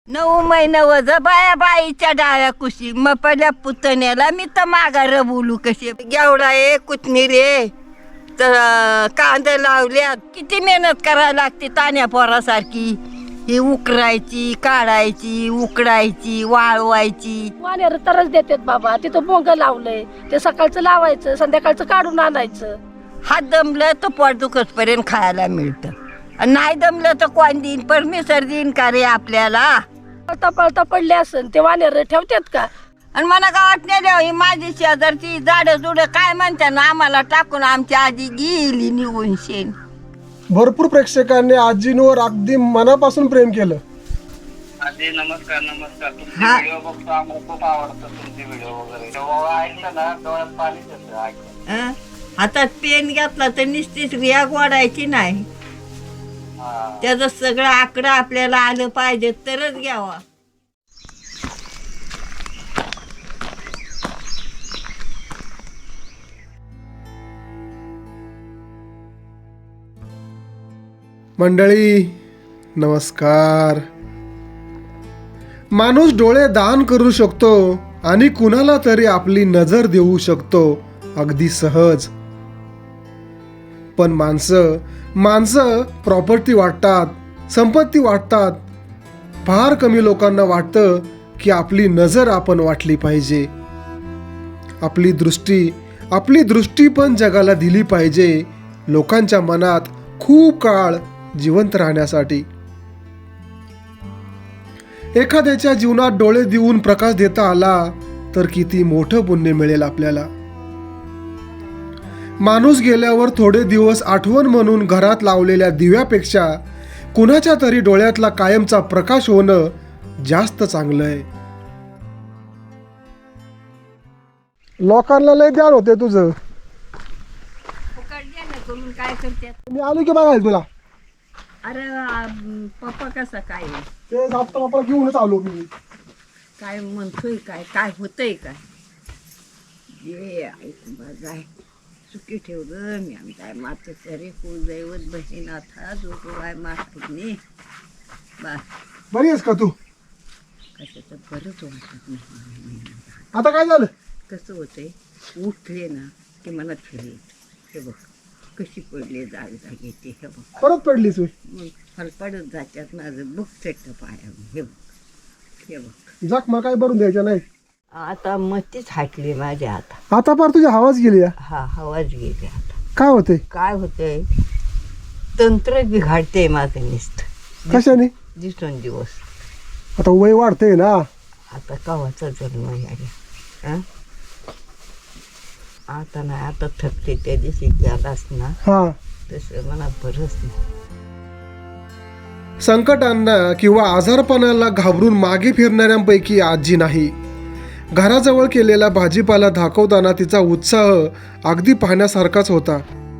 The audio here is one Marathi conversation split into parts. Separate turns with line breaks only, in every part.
9 महिने वज बाया बाईच्या डाळ्या कुशी मग पहिल्या पुतण्याला मी तर माघार बोलू कशी गेवडा आहे कोथमीर आहे तर कांदे लावल्यात किती मेहनत करायला लागते तान्या पोरासारखी ही उकरायची काढायची उकडायची वाळवायची
वाण्यार तरच देतात बाबा तिथं बोंग लावलंय ते सकाळचं लावायचं संध्याकाळचं काढून आणायचं
हात दमलं तर पोट दुखतपर्यंत खायला मिळतं आणि नाही दमलं तर कोण देईन परमेश्वर देईन का रे आपल्याला
पळता पळता पडले असन ते वाण्यार ठेवतात का
आणि मला गावात नेल्या ही माझी शेजारची झाडं जुडं काय म्हणते ना आम्हाला टाकून आमची आजी गेली निघून शेण
भरपूर प्रेक्षकांनी आजींवर अगदी मनापासून प्रेम केलं.
आजी नमस्कार नमस्कार. तुमचे
हा.
व्हिडिओ बघतो आम्हाला खूप आवडतं तुमचे व्हिडिओ वगैरे जेव्हा ऐकलं ना डोळ्यात पाणीच येतं ऐकलं.
हं? हातात पेन घेतला तर निश्चित रिया गोडायची नाही
हा.
त्याचं सगळं आकडं आपल्याला आलं पाहिजे तरच घ्यावा.
मंडळी नमस्कार. माणूस डोळे दान करू शकतो आणि कुणाला तरी आपली नजर देऊ शकतो अगदी सहज. पण माणसं प्रॉपर्टी वाटतात, संपत्ती वाटतात. फार कमी लोकांना वाटतं की आपली नजर आपण वाटली पाहिजे, आपली दृष्टी पण जगाला दिली पाहिजे लोकांच्या मनात खूप काळ जिवंत राहण्यासाठी. एखाद्याच्या जीवनात डोळे देऊन प्रकाश देता आला तर किती मोठं पुण्य मिळेल आपल्याला. माणूस गेल्यावर थोडे दिवस आठवण म्हणून घरात लावलेल्या दिव्यापेक्षा कुणाच्या तरी डोळ्यातला कायमचा प्रकाश होणं जास्त चांगलं आहे. लोकांना लय ध्यान होते तुझं.
काय करतात
मी आलो की बघायला तुला.
अरे पप्पा कसा काय आहे?
ते जाता बापाला घेऊनच आलो मी.
काय म्हणतोय काय काय होतंय काय ये ऐक बघाय सुखी ठेव ग मी आमच्या माते सरे कुलदैवत बहिणाथा जो काय मागणी बा
बरी आहेस का तू?
कशाचं बरंच वाटत नाही.
आता काय झालं?
कसं होतंय उठले ना की मला फिरे हे बघ कशी पडली जाग येते हे बघ
परत पडलीस होय?
मग फलपडत जातात माझं बुक चट्ट पाया हे बघ हे बघ
जाक मला काय भरून द्यायचं नाही.
आता मतीच हाटली माझ्या आता
आता पार तुझी हवाच गेली या.
हा हवाच गेली आता
काय होते?
काय होतंय तंत्र बिघाडते माझं नुसतं
कशाने?
दिवस
आता वय वाढते ना.
आता कवाचा जन्म यायला आता नाही आता थकते त्या दिवशी गेलास ना
हा.
तसं मला बरंच नाही.
संकटांना किंवा आजारपणाला घाबरून मागे फिरणाऱ्यांपैकी आजी नाही. घराजवळ केलेला भाजीपाला दाखवताना तिचा उत्साह अगदी पाहण्यासारखाच होता.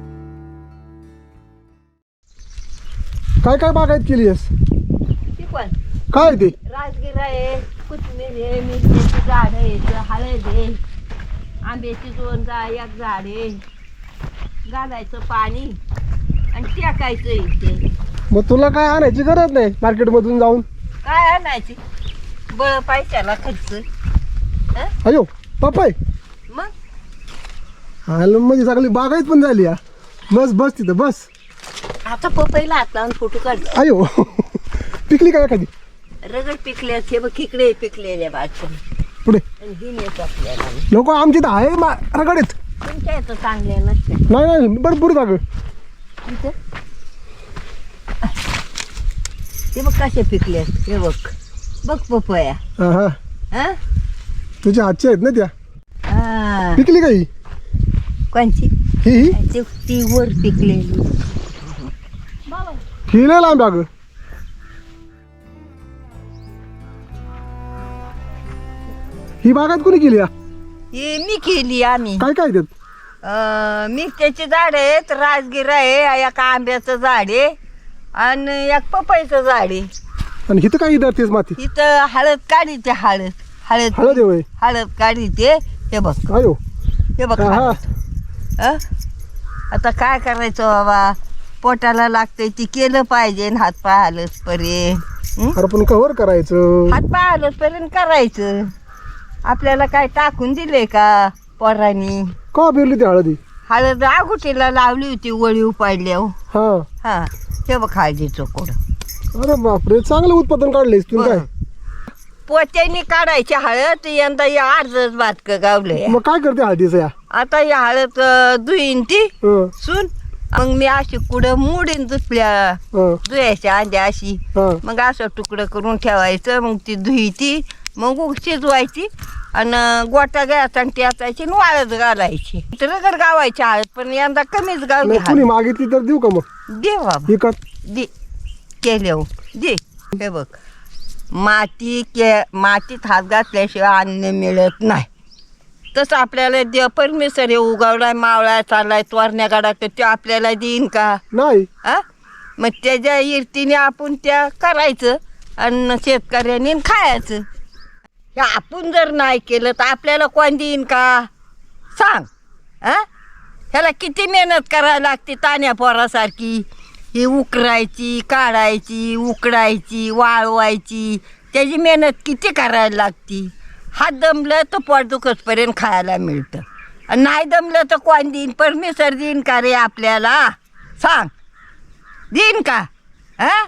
काय काय बागायत केली आहेस?
ती पण
काय ते?
राजगिरा आहे कोथिंबीर आहे मिरच्याची झाड आहे हळद आहे आंब्याची 2 एक झाड आहे घालायचं पाणी आणि टाकायचं इथे.
मग तुला काय आणायची गरज नाही मार्केटमधून जाऊन.
काय आणायची बळ पैशाला खर्च
अयो पप्पाय
मग
आलं म्हणजे सगळी बागायत पण झाली या. बस बस तिथं बस.
आता पपईला हात लावून फोटो काढतो.
अयो पिकली काय एखादी?
रगड पिकले हे बघ इकडे पिकलेल्या बाजून
पुढे
आणि ही नेत आपल्याला
लोक आमची तर आहे रगडीत.
तुमच्या इथं चांगल्या नसते
नाही नाही भरपूर जाग.
इथं ते बघ कसे पिकले हे बघ बघ पपया
हा
हा
तुझ्या हातच्या आहेत ना त्या.
हा.
पिकली काही?
कोणची
ही
ती वर पिकलेली
ही लय लांब अगं. ही बागायत कोणी केली या?
ही मी केली आम्ही
काय काय देत?
मिरच्याची झाड आहेत राजगिरा आहे एक आंब्याचं झाड आहे आणि एक पपईचं झाड आहे.
आणि हिथं काय धरतेस माती?
इथं हळद काढीते हळद
हळद आहे होय.
हळद काढीते हे बघ
अयो
हे बघ
हा, हा.
हळद. आता काय करायचं बाबा पोटाला लागतंय ती केलं पाहिजे हातपाय आलंच पर्यंत
अरे पण कव्हर करायचं.
हातपाय आलंच पर्यंत करायचं. आपल्याला काय टाकून दिले का पोरांनी?
का पेरली ती हळदी?
हळद आगुटीला लावली होती वळी उपाडल्यावर.
हा.
हा ते बघ हळदीचं कोड.
अरे बापरे, चांगलं उत्पादन काढलंयस तू. काय
पोत्याने काढायची हळद. यंदा या अर्धच बातक गावलंय.
मग काय करते हळदीचं या?
आता या हळद धुईन ती
हं,
सून. मग मी अशी कुठं मोडीन दुसऱ्या
हं,
धुयाच्या अंड्या अशी.
हं.
मग असं तुकडं करून ठेवायचं. मग ती धुईती मग शिजवायची आणि गोटा घ्यायचा आणि त्याचायची आणि वाळत घालायची. रगड गावायची हळद पण यंदा कमीच गावली
नाही, कुणी मागितली तर देऊ का मग?
दे बाबा
विकत?
दे केल्यावर दे. हे बघ मातीत हात घातल्याशिवाय अन्न मिळत नाही. तसं आपल्याला परमेश्वर हे उगवलाय मावळाय चाललाय तोरण्या गाडा तर ते आपल्याला देईन का?
नाही.
हा मग त्याच्या इर्तीने आपण त्या करायचं आणि शेतकऱ्यांनी खायचं. हे आपण जर नाही केलं तर आपल्याला कोण देईन का सांग? हा ह्याला किती मेहनत करायला लागते तान्या पोरासारखी. ही उकरायची काढायची उकडायची वाळवायची त्याची मेहनत किती करायला लागती. हात दमलं तर पोट दुखतपर्यंत खायला मिळतं आणि नाही दमलं तर कोण देईन? परमेश्वर देईन का रे आपल्याला सांग? देईन का? हा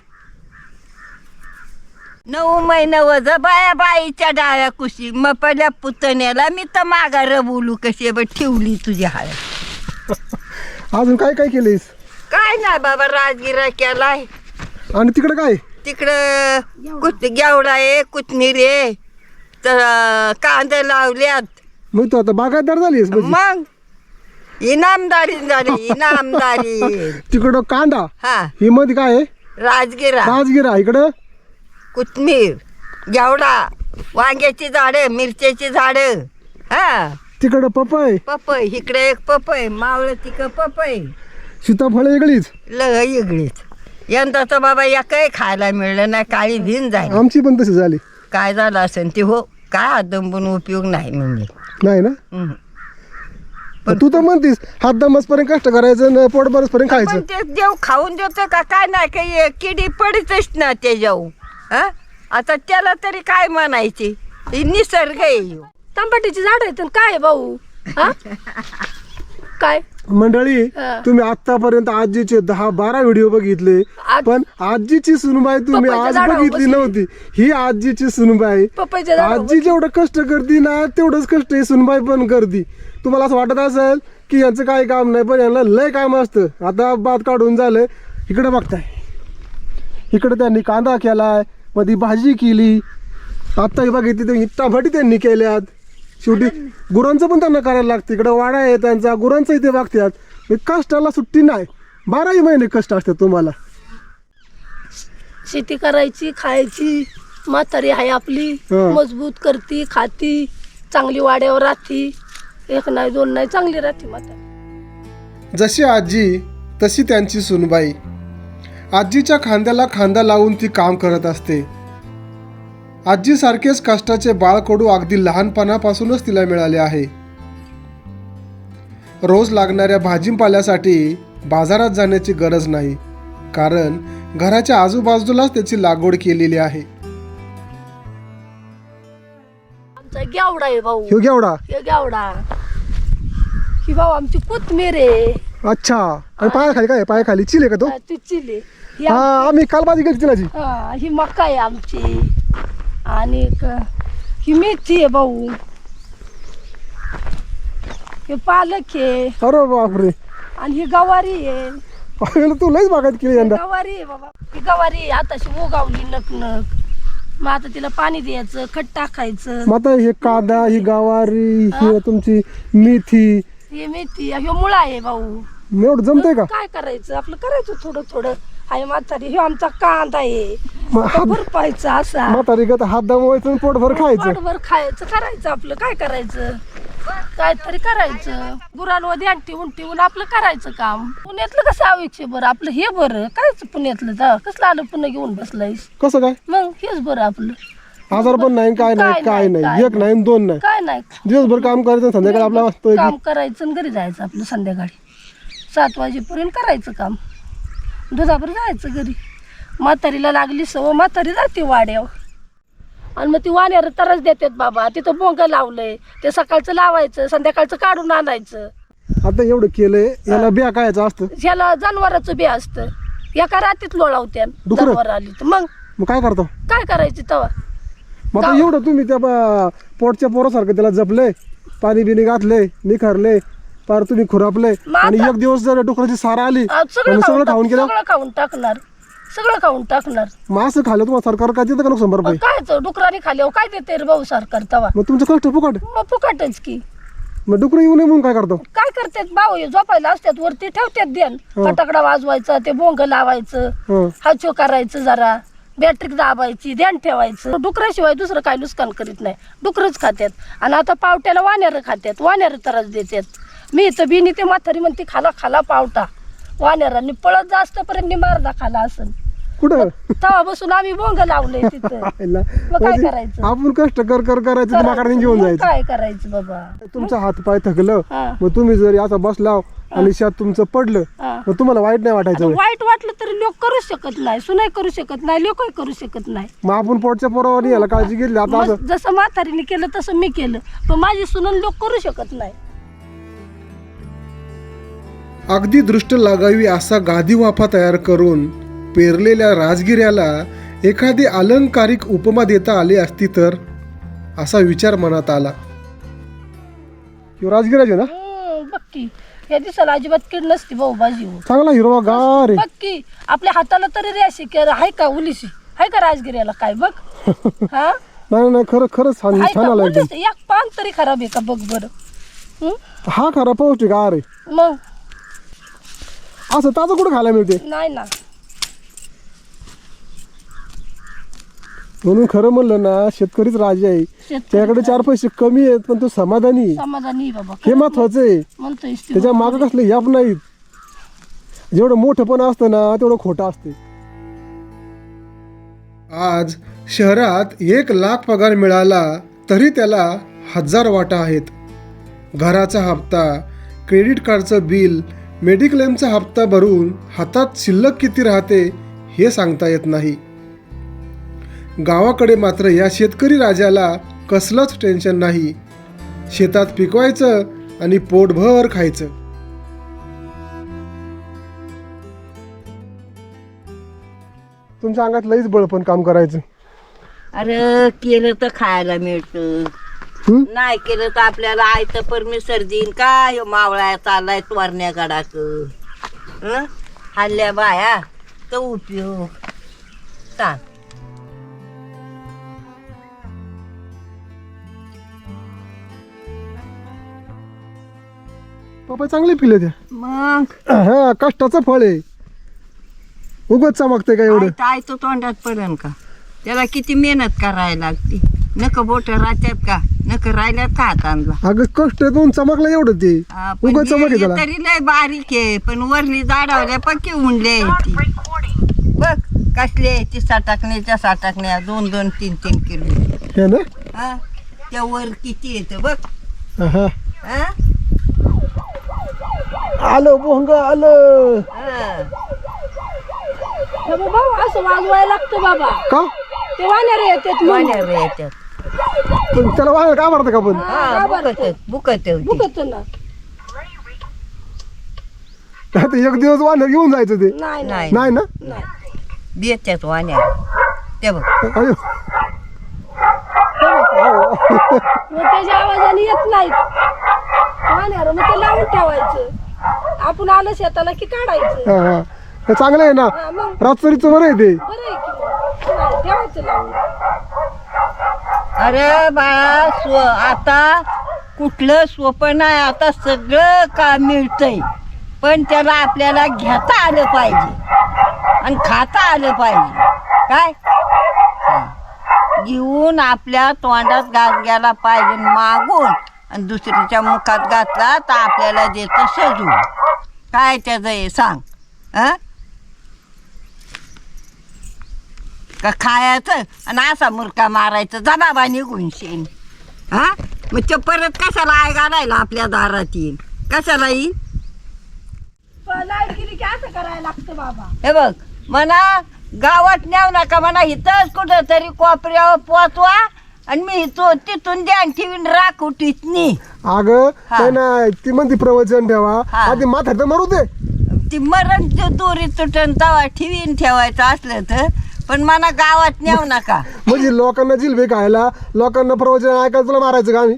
9 महिने वज बाया बाईच्या डाळ्या कुशी मग पहिल्या पुतण्याला मी तर माघार बोलू कशी बघ ठेवली तुझी हळद.
अजून काय काय केलंयस?
काय नाही बाबा राजगिरा केलाय.
आणि तिकडे काय?
तिकडं गेवडा आहे कोथमीर आहे तर कांदे लावल्यात.
मग तू आता बागायतदार झालीस म्हणजे?
मग इनामदारी झाली इनामदारी.
तिकडं कांदा.
हा
ही मध्ये काय आहे?
राजगिरा
राजगिरा. इकडं
कोथमीर गेवडा वांग्याची झाडं मिरच्याची झाडं. हा
तिकडं पपई.
पपई इकडे एक पपई मावळ तिकडं पपई.
सीताफळ वेगळीच.
वेगळीच. यंदा तर बाबा या काही खायला मिळलं नाही. काळी भिन झाली.
आमची पण तशी झाली.
काय झालं असेल ते हो काय हात दंबून उपयोग नाही म्हणजे.
नाही ना.
हम्म.
पण तू तर म्हणतीस हात दमसपर्यंत कष्ट करायचं न पोट बरसपर्यंत
पण
खायचं.
ते देव खाऊन देतो का काय नाही काही किडी पडतच ना ते जाऊ. हा आता त्याला तरी काय म्हणायचे? ही निसर्ग आहे ह्यो.
तांबटीची झाड आहेत आणि काय आहे भाऊ? हा काय
मंडळी,
हा.
तुम्ही आतापर्यंत आजीचे 10-12 व्हिडिओ बघितले पण आजीची सुनबाई तुम्ही
पपईच्या
आज
झाडावर
बघितली
बसली.
नव्हती. ही आजीची सुनबाई.
पपईच्या झाडावर
आजी जेवढं कष्ट करते ना तेवढंच कष्ट ही सुनबाई पण करते. तुम्हाला असं वाटत असेल की यांचं काही काम नाही पण यांना लय काम असतं. आता भात काढून झालं. इकडे बघताय इकडे त्यांनी कांदा केलाय मध्ये भाजी केली. आता ही बघितली तर टमाटी त्यांनी केल्यात. शेवटी गुरांचं पण त्यांना करायला लागतं. इकडं वाडा आहे त्यांचा गुरांचं इथे बघतात. कष्टाला सुट्टी नाही. 12ही महिने कष्ट असतात तुम्हाला.
शेती करायची खायची. म्हातारी आहे आपली
हं.
मजबूत करती खाती चांगली वाड्यावर राहती. 1 नाही 2 नाही चांगली राहती म्हातारी.
जशी आजी तशी त्यांची सुनबाई. आजीच्या खांद्याला खांदा लावून ती काम करत असते. आजीसारखेच कष्टाचे बाळकडू अगदी लहानपणापासूनच तिला मिळाले आहे. रोज लागणाऱ्या भाजीपाल्यासाठी बाजारात जाण्याची गरज नाही कारण घराच्या आजूबाजूलाच त्याची लागवड केलेली आहे.
आमचा गेवडा आहे भाऊ.
ह्यो घेवडा.
हे गेवडा ही भाऊ आमची कोथमीर आहे.
अच्छा. आणि पायाखाली काय? पायाखाली चिले का तो?
ती चिली ही
हा आम्ही काल भाजी केली चिलाची.
हा ही मका आहे आमची. आणि ही मेथी आहे भाऊ. हे पालक आहे
अरे बापरे.
आणि ही गवारी आहे.
तू लयच बागायत केली यंदा.
गवारी आहे बाबा. ही गवारी आहे आताशी उगावली नकनक. मग आता तिला पाणी द्यायचं खत टाकायचं.
मग आता हे कांदा ही गवारी ही तुमची मेथी
ही मेथी हे मुळा आहे भाऊ.
एवढं जमतंय का?
काय करायचं आपलं करायचं थोडं थोडं. आहे म्हातारी हे आमचा कांदा आहे.
मग
आता भरपायचा असा
म्हातारी गत हात दमवायचं आणि पोटभर खायचं.
पोटभर खायचं करायचं आपलं काय करायचं. काहीतरी करायचं. गुरांवर ध्यान ठेवून आपलं करायचं काम. पुण्यातलं कसं आयुष्य बरं आपलं हे बरं. कायच पुण्यातलं जा कसलं आलं पुन्हा घेऊन बसलायस.
कसं काय?
मग हेच बरं आपलं.
आजार पण नाही काय नाही काय नाही. 1 नाही 2 नाही.
काय नाही
दिवसभर काम करायचं आणि संध्याकाळी आपला वाजतोय
काम करायचं आणि घरी जायचं आपलं संध्याकाळी 7 वाजेपर्यंत करायचं काम. दुधाभर जायचं घरी. म्हातारीला लागली सवय, म्हातारी जाते वाड्यावर आणि मग ती वाण्यावर तरच देतात बाबा. तिथं बोंग लावलंय, ते सकाळचं लावायचं, संध्याकाळचं काढून आणायचं.
आता एवढं केलंय, याला बिया कायचं असतं?
ह्याला जनावराचं बी असतं. एका रात्रीत लोळावत्या
डुकरं?
जनावर आली तर मग
काय करतो?
काय करायची तवा?
मग आता एवढं तुम्ही त्या पोटच्या पोरासारखं त्याला जपलंय, पाणी बिणी घातलंय, निखरलंय, पार तुम्ही खुरापलंय,
मग
आणि
आता-
एक दिवस जर डुकराची सारा आली
सगळं
आणि सगळं खाऊन गेलं,
सगळं खाऊन टाकणार, सगळं खाऊन टाकणार.
मग असं खाल्लं तुम्हाला सरकार काय देतं का नुकसान भरपाई?
काय डुकराने खाल्यावर काय देते रे भाऊ सरकार तवा?
मग तुमचं कष्ट फुकट.
मग फुकटच की.
मग डुकर येऊ नये म्हणून काय करतो?
काय करतात भाऊ, हे झोपायला असतात वरती ठेवतात ध्यान, फटाकडा वाजवायचा, ते बोंग लावायचं,
हं.
हाचो करायचं, जरा बॅटरी दाबायची, ध्यान ठेवायचं. डुकराशिवाय दुसरं काय नुकसान करीत नाही, डुकरच खात्यात. आणि आता पावट्याला वाण्यार खात्यात, वाण्यार त्रास देतात. मी इथं बिनी ते म्हातारी म्हणते खाला खाला पावटा, वाण्यारांनी पळत जास्त पर्यंत मारदा खाला असन.
कुठं?
तवा बसून आम्ही बोंग लावलंय तिथं. मग काय करायचं?
आपण कष्ट करायचं, तर माकडे घेऊन
मग
जायचं.
काय करायचं बाबा?
तुमचा हात पाय थकलं,
हा.
मग तुम्ही जर आता बसला आणि शेत तुमचं पडलं,
हा.
मग तुम्हाला वाईट नाही वाटायचं होय?
वाईट वाटलं तरी लोक करू शकत नाही, सुनाई करू शकत नाही, लोकही करू शकत नाही.
मग आपण पोटच्या पोरावर याला काळजी घेतली. आता
मग
असं
जसं म्हातारीने केलं तसं मी केलं, पण माझी सुनन लोक करू शकत नाही.
अगदी दृष्ट लागावी असा गादी वाफा तयार करून पेरलेल्या राजगिऱ्याला एखादी अलंकारिक उपमा देता आली असती तर, असा विचार मनात आला. राजगिराचे ना
बघ की, या दिवसाला अजिबात कीड नसती भाऊ भाजी.
चांगला हिरवा गार आहे.
बघ की, आपल्या हाताला तरी रेशी आहे का, उलीशी आहे का राजगिऱ्याला? काय बघ हा,
नाही खरं खरंच छान
आहे
छान
का?
आला एकदम.
उलीस एक पान तरी खराब आहे का बघ बरं.
हा खरा पौष्टिक आहार आहे.
मग
असं ताजं कुठं खायला मिळते?
नाही ना.
म्हणून खरं म्हणलं ना, शेतकरीच राजा आहे. त्याकडे 4 पैसे कमी आहेत, पण तो समाधानी आहे.
समाधानी आहे बाबा,
हे महत्वाचं आहे.
म्हणतोय
त्याच्या मागं कसले याप नाहीत. जेवढं मोठं पण असतं ना, तेवढं खोटं असते. आज शहरात 1 लाख पगार मिळाला तरी त्याला 1000 वाटा आहेत. घराचा हप्ता, क्रेडिट कार्डचं बिल, मेडिक्लेमचा हप्ता भरून हातात शिल्लक किती राहते हे सांगता येत नाही. गावाकडे मात्र या शेतकरी राजाला कसलंच टेन्शन नाही. शेतात पिकवायचं आणि पोटभर खायचं. तुमच्या अंगात लईच बळपण काम करायचं.
अरे केलं तर खायला मिळतं, नाही केलं तर आपल्याला आयतं परमेश्वर देईन का? ह्यो मावळा चाललाय तोरण्या गडाक, हल्ल्या बाया तर उपयोग सांग.
पप्पा चांगले पिले त्या.
मग
हा कष्टाचं फळ आहे. उगत चमकते का एवढं?
आयतं तोंडात पडन का? त्याला किती मेहनत करायला लागते. नक बोट राहत्यात का? नक राहिल्यात का हातांना?
अगं कष्ट दोन चमकलं एवढं ते.
हा, पण
उगत चमक आहे
हे
त्याला.
तरी लय बारीक आहे, पण वरली जाडावल्या पक्की उंडले ती. बघ कसले ती साठाकण्याच्या साठाकण्या 2-2, 3-3 किलो.
हे ना?
हा त्या वर किती येतं बघ.
हा.
हा?
आलं भोंग आलं.
हा.
भाऊ असं वाजवायला लागतं बाबा,
का?
ते वाण्यार येतात म्हणून.
वाण्यार येतात.
पण त्याला वाया का मारतं का पण?
हा बुकत
बुकत ना.
आता एक दिवस वाहन घेऊन जायचं ते.
नाही नाही
नाही
नाही ना?
नाही.
बेतात वाण्यार ते बघ.
अयो.
मग त्याच्या आवाजाने येत नाहीत वाण्यार, मग ते लावून ठेवायचं. आपण आलं शेताला की काढायचं.
हा, हा. हे चांगलं आहे ना.
हा, मग
रातचरीचं बरं आहे ते.
बरं आहे की मग. नाही, ठेवायचं लावून.
अरे बाळा आता कुठलं सोपं नाही. आता सगळं काम मिळतंय, पण त्याला आपल्याला घेता आलं पाहिजे आणि खाता आलं पाहिजे. काय घेऊन आपल्या तोंडात घास घ्यायला पाहिजे मागून, आणि दुसरीच्या मुखात घातला तर आपल्याला देतं सजून. काय त्याचं हे सांग. का खायचं आणि असा मुरका मारायचं जनाबा निघून शेण. हा मग ते परत कशाला आय घालायला आपल्या दारात येईल? कशाला येईल?
लाईट गेली की असं करायला लागतं बाबा.
हे बघ म्हणा गावात नेऊ नका म्हणा, इथंच कुठं तरी कोपऱ्यावर पोचवा आणि मी तिथून ध्यान ठेवीन राख उठीतनी.
अगं
हा.
नाही नाही, ती म्हणते प्रवचन ठेवा,
हा.
आधी माथ्यात तर मरू दे.
ती मरण दोरी तुटन तवा ठेवीन ठेवायचं असलं तर, पण मला गावात नेऊ नका.
म्हणजे लोकांना जिलबे खायला, लोकांना प्रवचन ऐकायला तुला मारायचं का आम्ही?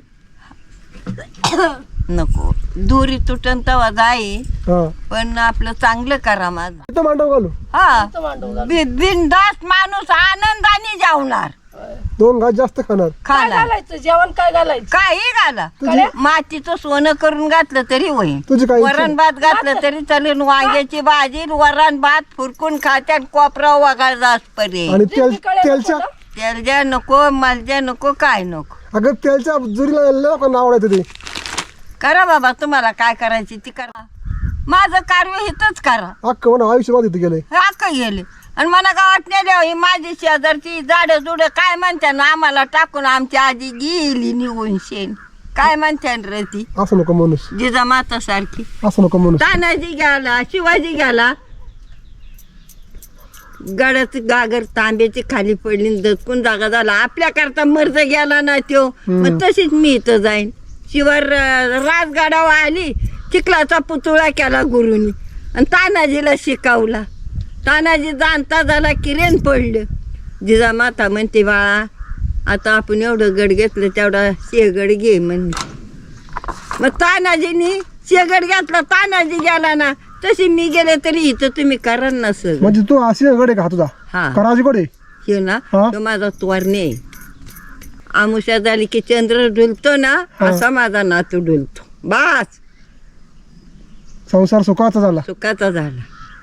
नको, दोरी तुटन तवा जाई,
हा
पण आपलं चांगलं करा माझं.
इथं मांडव घालू,
हा
इथं मांडव घाल.
बिनधास्त माणूस आनंदाने जेवणार
2 घास जास्त खाणार.
काय
खाणार
घालायचं जेवण, काय घालायचं?
काही घाला, मातीचं सोनं करून घातलं तरी होईल.
तुझी काय इच्छा?
वरण भात घातलं तरी चालेल, वांग्याची भाजी वरण भात फुरकून खात्यात कोपरा वगाळ जासपर्यंत.
आणि तेलच्या
तेलजा नको, मलजा नको, काय नको.
अगं तेलच्या जुरीला लोकांना आवडायचं ते.
करा बाबा, तुम्हाला काय करायची ती करा. माझं कार्य हिथंच करा.
अख्खं म्हणा आयुष्यभर इथं गेलंय.
हे अख्खं गेले आणि मला गावात नेले ही माझी शेजारची झाडं जुडं काय म्हणते ना, आम्हाला टाकून आमची आजी गेली निघून शेण. काय म्हणते रे ती
असं नको माणूस,
जिजा माता सारखी.
असं नको माणूस.
तानाजी गेला, शिवाजी गेला, गडाच गागर तांब्याची खाली पडली, दचकून जागा झाला. आपल्या करता मर्ज गेला ना त्यो, मग तशीच मी इथं जाईन. शिवार राजगडावर आली, चिखलाचा पुतळा केला गुरुनी आणि तानाजीला शिकवला. तानाजी जाणता झाला किरेन पडलं. जिजा माता म्हणते बाळा, आता आपण एवढं गड घेतलं तेवढा शेगड घे म्हणते. मग तानाजीनी शेगड घेतला, तानाजी गेला ना, तशी मी गेले तरी इथं तुम्ही करा ना सगळं.
म्हणजे तू अशी गडे का तुझा
हा
कराजी गडे?
हे ना,
हा?
तो माझा तोरणे. आमुषा झाली की चंद्र डुलतो ना,
हा.
असा माझा नातू डुलतो. बास
संसार सुखाचा झाला.
सुखाचा झाला,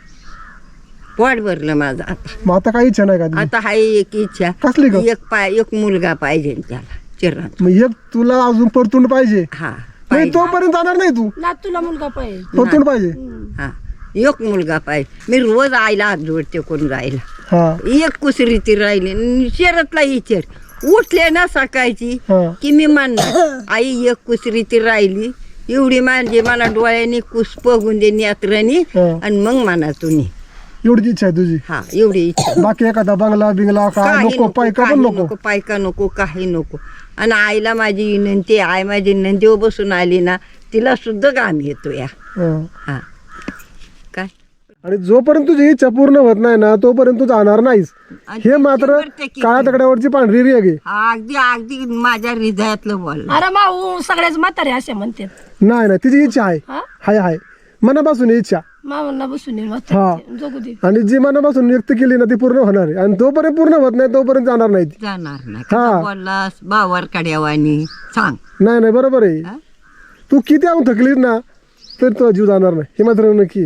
पोट भरलं माझं. आता
मग आता काही इच्छा नाही का तुझी?
आता हाय एक इच्छा,
कसली ग?
एक मुलगा पाहिजे त्याला चिरण.
मग एक तुला अजून परतून पाहिजे.
हा
नाही
पाहिजे.
तोपर्यंत जाणार नाही तू.
नातूला मुलगा पाहिजे.
परतून पाहिजे.
हा एक मुलगा पाहिजे. मी रोज आईला हात जोडते कोण जायला.
हा
एक कुसरी ती राहिली, शेरतला विचार उठले ना सकाळची
हा.
की मी म्हणणार आई एक कुसरी ती राहिली, एवढी माझी मला डोळ्याने कुस बघून दे नेत्रानी,
हा. आणि
आणि मग म्हणा तुम्ही.
एवढीच इच्छा आहे तुझी.
हा एवढी इच्छा.
बाकी एखादा बंगला बिंगला काय
काही
नको, पायका पण
काही
नको.
पायका नको, काही नको. आणि आईला माझी विनंती, आई माझी नंदीवर बसून आली ना, तिला सुद्धा घाम येतो या.
हा.
हा काय
आणि जोपर्यंत तुझी इच्छा पूर्ण होत नाही ना, तोपर्यंत तू जाणार नाहीस.
आणि
हे मात्र
100%
काळ्या तकड्यावरची पांढरी रेग आहे.
हा, अगदी अगदी माझ्या हृदयातलं बोल.
अरे माऊ सगळ्याच म्हातारे असे म्हणतात.
नाही नाही, तिची इच्छा आहे.
हा
हाय मनापासून इच्छा.
मामांना बसून ये
हा.
म्हातारे जगू दे.
आणि जी मनापासून व्यक्त केली ना ती पूर्ण होणार आहे. आणि तोपर्यंत पूर्ण होत नाही तोपर्यंत जाणार नाही ती.
जाणार नाही.
हा.
कसा बोललास बावर कड्यावानी सांग.
नाही बरोबर आहे.
हा?
तू किती आणून थकलीस ना तर तो जीव जाणार नाही, हे मात्र नक्की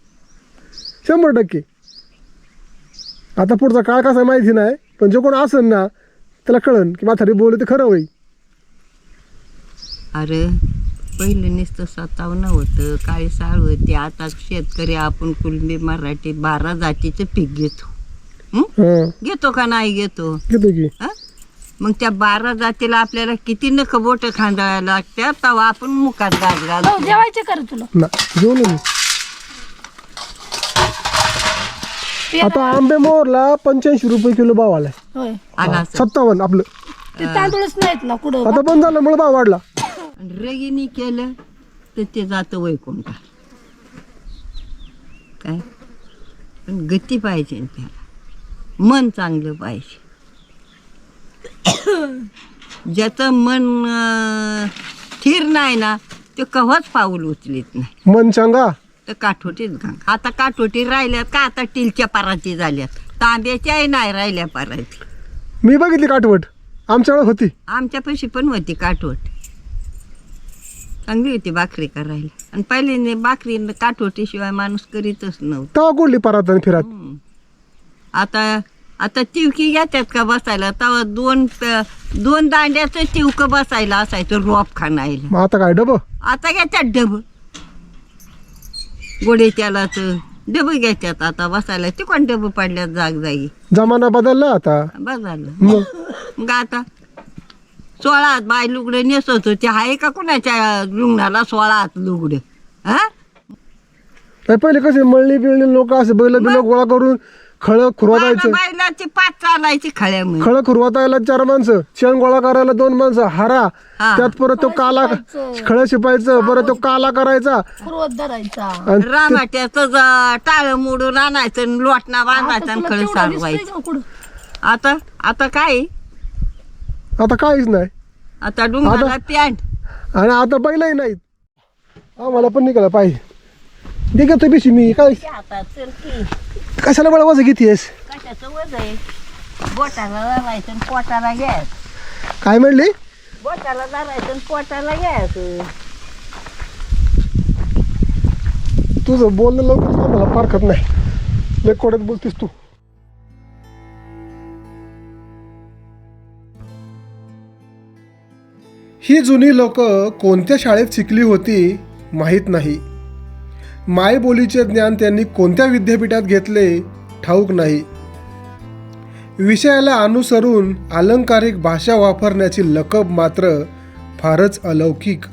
100%. आता पुढचा काळ कसा आहे माहिती नाही, पण जो कोण असेल ना त्याला कळन की म्हातारी बोलले ते खरं होईल.
अरे पहिलं नुसतं 57 होतं, काळी साळ होती. आता शेतकरी आपण कुलबी मराठी 12 जातीचं पीक घेतो.
हा
घेतो का नाही घेतो?
घेतो की.
हा? मग त्या 12 जातीला आपल्याला किती नख बोट खांदायला लागतात, तेव्हा आपण मुखात गाज
हो,
घालतो.
जेवायचे कर तुला.
ना जेवलो मी. आता आंबे मोहरला 85 रुपये किलो भाव आलाय.
होय,
आला असं.
57 आपलं.
ते तांदूळच नाहीत ना कुठं.
आता बंद झाल्यामुळे भाव वाढला.
आणि रगिनी केलं तर ते जातं वैकुंठा. काय पण गती पाहिजे ना त्याला, मन चांगलं पाहिजे. ज्याचं मन स्थिर नाही ना, ते कव्हाच पाऊल उचलीत नाही.
मन सांगा.
तर काठोटीच घांग. आता काठोटी राहिल्यात का, आता टीलच्या पराती झाल्यात. तांब्याच्याही नाही राहिल्या पराती.
मी बघितली काठवट, आमच्या वेळेस होती.
आमच्यापाशी पण होती काठवट, चांगली होती भाकरी करायला. आणि पहिले भाकरी काठवटीशिवाय माणूस करीतच नव्हतं.
तेव्हा कोडली परात आणि फिरात.
आता तिवकी घेतात का बसायला, तेव्हा दोन दांड्याचं तिवकं बसायला असायचं रोप खाणायला.
मग आता काय डब.
आता घेतात डब, गोडे त्यालाच डब घेतात आता बसायला. ते कोण डब पडल्यात जागी.
जमाना बदलला आता.
बस झालं.
मग
मग आता 16 बाय लुगडे नेसत होते. आहे का कुणाच्या लुगडाला 16 लुगडे? हा
नाही पहिले कसे मळणी बिळणी लोक असे बैल बिल गोळा करून खळ खुरवायचं,
बैलाची पाच चालायची खळ्यामध्ये.
खळ खुरवायला 4 माणसं, शेण गोळा करायला 2 माणसं, हारा
हा.
त्यात परत तो काला खळ शिपायचं, परत तो काला करायचा
खुरवत धरायचा.
आणि
रामाट्याचं टाळ मोडून आणायचं आणि लोटणा बांधायचा आणि खळ सारवायचं. आता आता काय
आता काहीच नाही.
आता डुंगराला पॅन्ट.
आणि आता बैलही नाहीत. आम्हाला पण निघाला पाहिजे. दे घेतो बिशी मी. काय
आता चल की
कशाला मला वजन घेतेस?
कशाचं वज आहे? बोटाला धरायचं आणि पोटाला घ्यायचं.
काय म्हणली?
बोटाला धरायचं आणि पोटाला घ्यायचं.
तुझं बोलणं लवकर मला पारखत नाही. लय कोड्यात बोलतीस तू. ही जुनी लोक कोणत्या शाळेत शिकली होती माहीत नाही. मायबोलीचे ज्ञान त्यांनी कोणत्या विद्यापीठात घेतले ठाऊक नाही. विषयाला अनुसरून अलंकारिक भाषा वापरण्याची लकब मात्र फारच अलौकिक.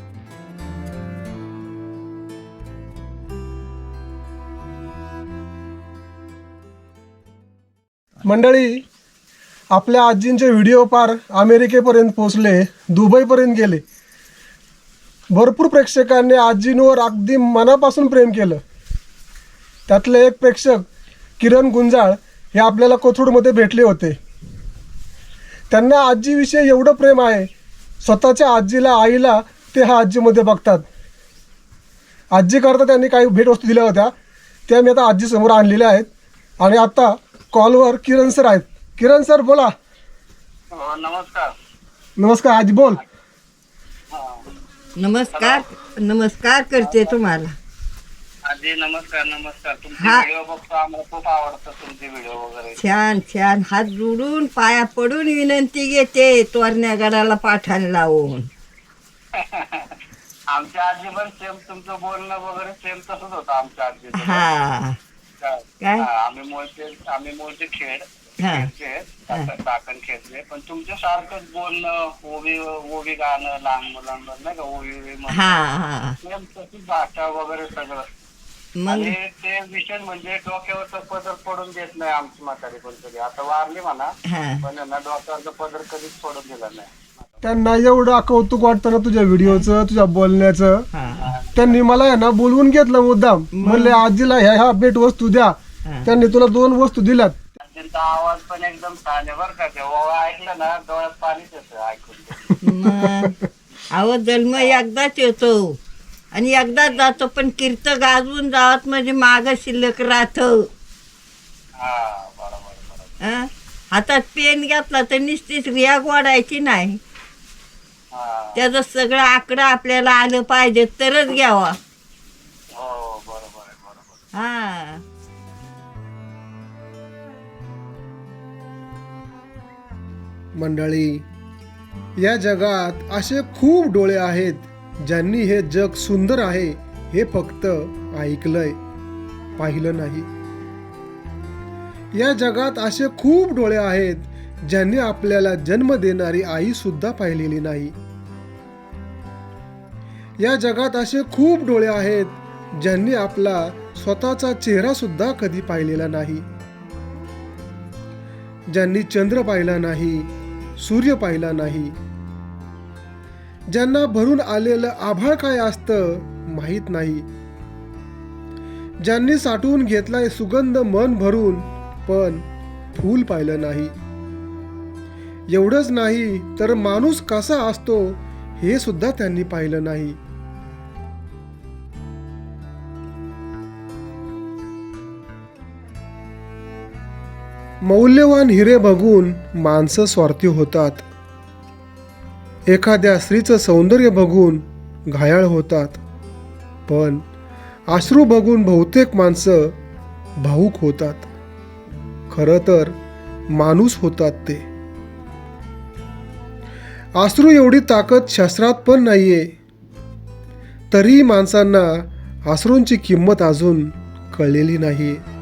मंडळी, आपल्या आजींचे व्हिडिओ पार अमेरिकेपर्यंत पोहोचले, दुबईपर्यंत गेले. भरपूर प्रेक्षकांनी आजींवर अगदी मनापासून प्रेम केलं. त्यातले एक प्रेक्षक किरण गुंजाळ हे आपल्याला कोथरूडमध्ये भेटले होते. त्यांना आजीविषयी एवढं प्रेम आहे, स्वतःच्या आजीला आईला ते ह्या आजीमध्ये बघतात. आजीकरता त्यांनी काही भेटवस्तू दिल्या होत्या, त्या मी आता आजीसमोर आणलेल्या आहेत. आणि आता कॉलवर किरण सर आहेत. किरण सर बोला.
नमस्कार.
नमस्कार आजी, बोल.
नमस्कार नमस्कार करते तुम्हाला.
आजी नमस्कार. नमस्कार. तुमचे
हा.
व्हिडिओ बघतो, आम्हाला खूप आवडतं तुमचे व्हिडिओ वगैरे.
छान छान हात जोडून पाया पडून विनंती घेते, तोरण्या गडाला पाठाण लावून.
आमच्या आजी पण सेम तुमचं बोलणं वगैरे सेम तसंच होतं आमच्या आजीचं.
हा काय?
आम्ही मूळचे खेड
हा.
टाकण खेळले, पण तुमच्या सारखंच बोलणं, ओवी गाणं लहान मुलांवर नाही का, ओवी
हा हा
सेम तशीच भाषा वगैरे सगळं.
मग
आणि ते विषय म्हणजे डोक्यावरचा पदर पडून देत नाही आमची म्हातारी पण कधी. आता वारली म्हणा,
हा
पण ना डोक्यावरचा पदर कधीच पडून दिला नाही.
त्यांना एवढं कौतुक वाटतं ना तुझ्या व्हिडिओचं, तुझ्या बोलण्याचं.
हा
त्यांनी मला आहे ना बोलवून घेतलं मुद्दाम. म्हणले आजीला ह्या भेट वस्तू द्या.
हा.
त्यांनी तुला 2 वस्तू दिल्यात.
त्यांचा आवाज पण एकदम छान आहे बरं का. तेव्हा ऐकलं ना डोळ्यात पाणीच येतं ऐकून.
मग अहो जन्म एकदाच येतो आणि एकदाच जातो, पण कीर्त गाजवून जावत म्हणजे माग शिल्लक राहत.
हा बरोबर.
हातात पेन घेतला तर निश्चित रिया गोडायची नाही.
हा
त्याचं सगळं आकडं आपल्याला आलं पाहिजे तरच घ्यावा.
हो बरोबर आहे. बरोबर.
हा
मंडळी, या जगात असे खूप डोळे आहेत ज्यांनी हे जग सुंदर आहे हे फक्त ऐकलंय, पाहिलं नाही. या जगात असे खूप डोळे आहेत ज्यांनी आपल्याला जन्म देणारी आई सुद्धा पाहिलेली नाही. या जगात असे खूप डोळे आहेत ज्यांनी आपला स्वतःचा चेहरा सुद्धा कधी पाहिलेला नाही. ज्यांनी चंद्र पाहिला नाही, सूर्य पाहिला नाही, ज्यांना भरून आलेलं आभाळ काय असतं माहीत नाही, ज्यांनी साठवून घेतलाय सुगंध मन भरून पण फूल पाहिलं नाही. एवढंच नाही तर माणूस कसा असतो हे सुद्धा त्यांनी पाहिलं नाही. मौल्यवान हिरे बघून माणसं स्वार्थी होतात. एखाद्या स्त्रीचं सौंदर्य बघून घायाळ होतात. पण अश्रू बघून बहुतेक माणसं भावूक होतात. खरं तर माणूस होतात ते. अश्रू एवढी ताकद शास्त्रात पण नाहीये, तरीही माणसांना अश्रूंची किंमत अजून कळलेली नाहीये.